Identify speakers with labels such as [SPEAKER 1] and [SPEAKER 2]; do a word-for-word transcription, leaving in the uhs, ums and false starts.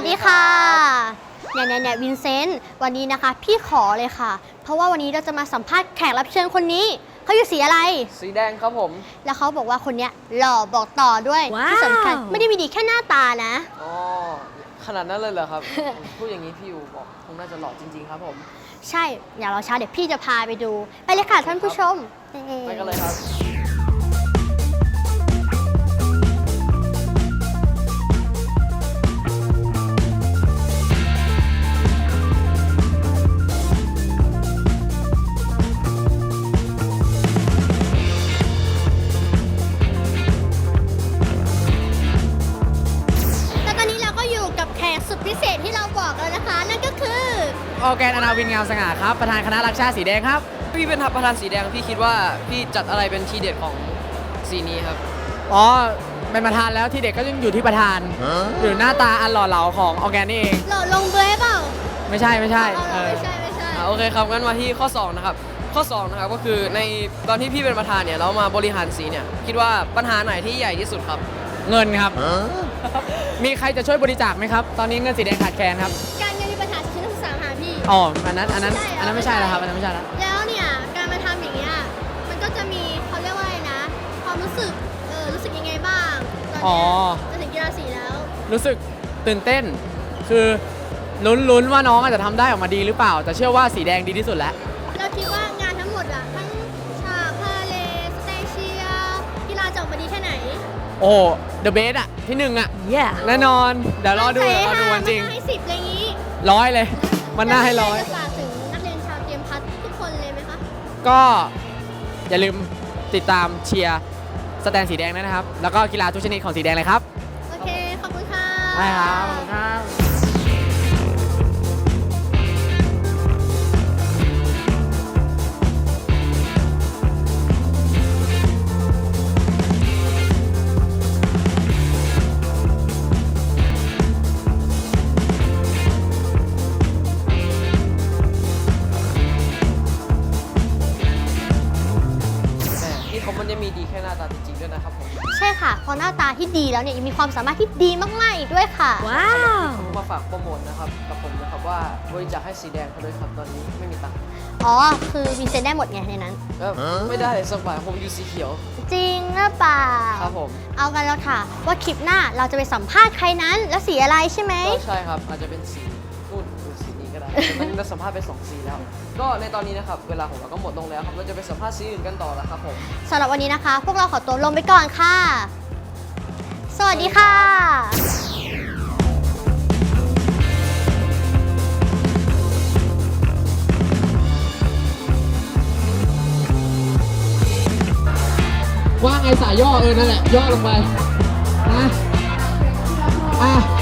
[SPEAKER 1] ดีค่ะเนี่ยเนี่ยเนี่ยวินเซนต์วันนี้นะคะพี่ขอเลยค่ะเพราะว่าวันนี้เราจะมาสัมภาษณ์แขกรับเชิญคนนี้เขาอยู่สีอะไร
[SPEAKER 2] สีแดงครับผม
[SPEAKER 1] แล้วเขาบอกว่าคนนี้หล่อบอกต่อด้วยที่สำคัญไม่ได้มีดีแค่หน้าตานะ
[SPEAKER 2] อ๋อขนาดนั้นเลยเหรอครับ พูดอย่างนี้พี่อยู่บอกคงน่าจะหล่อจริงๆครับผม
[SPEAKER 1] ใช่อย่ารอช้าเดี๋ยวพี่จะพาไปดูไปเลยค่ะท่านผู้ชม
[SPEAKER 2] ไปกันเลยครับ
[SPEAKER 1] สุดพิเศษที่เราบอกแล้วนะคะนั่นก็คือ
[SPEAKER 3] ออร์แกนอนาวินงามสง่าครับประธานคณะรักชาติสีแดงครับ
[SPEAKER 2] พี่เป็นประธานสีแดงพี่คิดว่าพี่จัดอะไรเป็นทีเด็ดของสีนี้ครับ
[SPEAKER 3] อ๋อเป็นประธานแล้วทีเด็ดก็ยังอยู่ที่ประธานหรือหน้าตาอันหล่อเหลาของออร์แกนนี่เอง
[SPEAKER 1] หล่อลงเบยเปล่า
[SPEAKER 3] ไม่ใช่ไม่ใช่
[SPEAKER 1] ไม่ใช่ไม่ใช่
[SPEAKER 2] โอเคครับงั้นมาที่ข้อสองนะครับข้อสองนะครับก็คือในตอนที่พี่เป็นประธานเนี่ยเรามาบริหารสีเนี่ยคิดว่าปัญหาไหนที่ใหญ่ที่สุดครับ
[SPEAKER 3] เงินครับมีใครจะช่วยบริจาคไหมครับตอนนี้เงินสีแดงขาดแคลนครับ
[SPEAKER 1] การเงินมีปัญหาชิ้นที่สามหาพี่
[SPEAKER 3] อ๋ออันนั้นอันนั้นอันนั้นไม่ใช่แล้วครับอันนั้นไม่ใช่แล้ว
[SPEAKER 1] แล้วเนี่ยการมาทำอย่างเงี้ยมันก็จะมีเขาเรียกว่าอะไรนะความรู้สึกเออรู้สึกยังไงบ้างตอนนี้จะถึงกีฬาสีแล้ว
[SPEAKER 3] รู้สึกตื่นเต้นคือลุ้นๆว่าน้องอาจจะทำได้ออกมาดีหรือเปล่าแต่เชื่อว่าสีแดงดีที่สุดแล้ว
[SPEAKER 1] เราคิดว่างานทั้งหมดอะทั้งฉากพาเลทสเตเชียกีฬาจะออกมาดีแค่ไหน
[SPEAKER 3] โอ้เดอะเบสอะที่หนึ่งอะแน่นอนเดี๋ยวรอดูรอดูวันจริง
[SPEAKER 1] ให้สิบอะไรงี้
[SPEAKER 3] ร้อยเลยมันน่าให้ร้อย
[SPEAKER 1] จะฝากถึงนักเรียนชาวเตรียมพัฒน์ทุกคนเลยไหมคะ
[SPEAKER 3] ก็อย่าลืมติดตามเชียร์สแตนสีแดงนะครับแล้วก็กีฬาทุกชนิดของสีแดงเลยครับ
[SPEAKER 1] โอเคขอบคุณค่ะ
[SPEAKER 3] ได้ครับขอบคุณครับ
[SPEAKER 2] มันจะมีดีแค่หน้าตาจริงๆด้วยนะครับผม
[SPEAKER 1] ใช่ค่ะพอหน้าตาที่ดีแล้วเนี่ยยังมีความสามารถที่ดีมากๆอีกด้วยค่ะ
[SPEAKER 2] ว้าวมาฝากโปรโมทนะครับกับผมนะครับว่าบริจาคให้สีแดงเขาด้วยครับตอนนี้ไม่มีตังค์
[SPEAKER 1] อ๋อคือมีเซ็นได้หมดไงในนั้น
[SPEAKER 2] ไม่ได้สักบาทผมอยู่สีเขียว
[SPEAKER 1] จริงหรือเปล่า
[SPEAKER 2] ครับผม
[SPEAKER 1] เอากันแล้วค่ะว่าคลิปหน้าเราจะไปสัมภาษณ์ใครนั้นแล้วสีอะไรใช่ไหม
[SPEAKER 2] ใช่ครับอาจจะเป็นสีนู่นหรือสีนี้ก็ได้มันเราสัมภาษณ์ไปสองสีแล้วก็ในตอนนี้นะครับเวลาของเราก็หมดลงแล้วครับเราจะไปสัมภาษณ์สีอื่นกันต่อแล้วครับผม
[SPEAKER 1] สำหรับวันนี้นะคะพวกเราขอตัวลงไปก่อนค่ะสวัสดีค่ะ
[SPEAKER 3] ว่าไงสายย่อเออนั่นแหละย่อลงไปนะอ่ะ